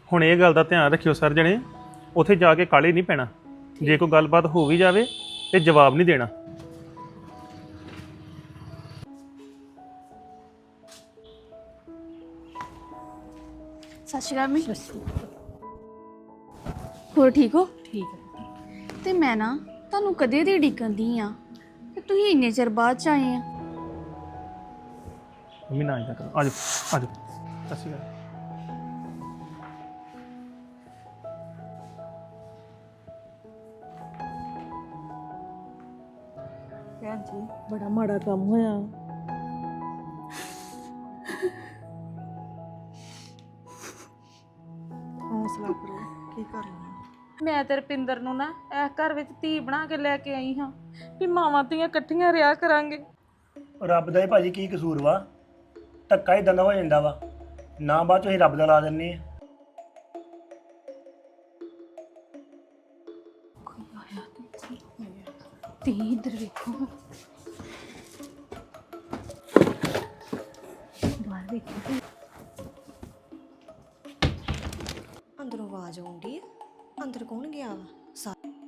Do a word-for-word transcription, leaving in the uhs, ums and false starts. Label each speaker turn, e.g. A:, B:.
A: ਹੁਣ ਇਹ ਗੱਲ ਦਾ ਧਿਆਨ ਰੱਖਿਓ ਸਰ ਜਣੇ, ਉੱਥੇ ਜਾ ਕੇ ਕਾਲੇ ਨਹੀਂ ਪੈਣਾ। ਜੇ ਕੋਈ ਗੱਲਬਾਤ ਹੋ ਵੀ ਜਾਵੇ ਤੇ ਜਵਾਬ ਨਹੀਂ ਦੇਣਾ।
B: ਸਤਿ ਸ਼੍ਰੀ ਅਕਾਲ ਮੈਂ ਹੋਰ ਠੀਕ ਹੋ?
C: ਠੀਕ ਹੈ।
B: ਤੇ ਮੈਂ ਨਾ ਤੁਹਾਨੂੰ ਕਦੇ ਦੀ ਉਡੀਕਣ ਦੀ ਆ ਤੇ ਤੁਸੀਂ ਇੰਨੇ ਚਿਰ ਬਾਅਦ ਚ ਆਏ ਆ।
A: ਮੰਮੀ ਨਾ ਆਇਆ ਕਰੋ, ਆਜੋ ਆਜੋ। ਸਤਿ ਸ਼੍ਰੀ ਅਕਾਲ।
C: ਭੈਣ ਜੀ ਬੜਾ ਮਾੜਾ ਕੰਮ ਹੋਇਆ। ਹੌਸਲਾ ਕਰੋ, ਕੀ ਕਰ ਲੈਣਾ।
D: ਮੈਂ ਤੇ ਰਪਿੰਦਰ ਨੂੰ ਨਾ ਇਸ ਘਰ ਵਿੱਚ ਧੀ ਬਣਾ ਕੇ ਲੈ ਕੇ ਆਈ ਹਾਂ ਵੀ ਮਾਵਾਂ ਧੀਆਂ ਇਕੱਠੀਆਂ ਰਿਹਾ ਕਰਾਂਗੇ।
E: ਰੱਬ ਦਾ ਹੀ ਭਾਜੀ ਕੀ ਕਸੂਰ ਵਾ? ਧੱਕਾ ਹੀ ਦੰਦਾ ਹੋ ਜਾਂਦਾ ਵਾ ਨਾ, ਬਾਅਦ ਚੋਂ ਅਸੀਂ ਰੱਬ ਦਾ ਲਾ ਦਿੰਨੇ ਆ।
B: ਤੇ ਇੱਧਰ ਵੇਖੋ, ਬਾਹਰ ਵੇਖੋ।
F: ਅੰਦਰੋਂ ਆਵਾਜ਼ ਆਉਂਦੀ ਹੈ। ਅੰਦਰ ਕੌਣ ਗਿਆ ਵਾ? ਸਾ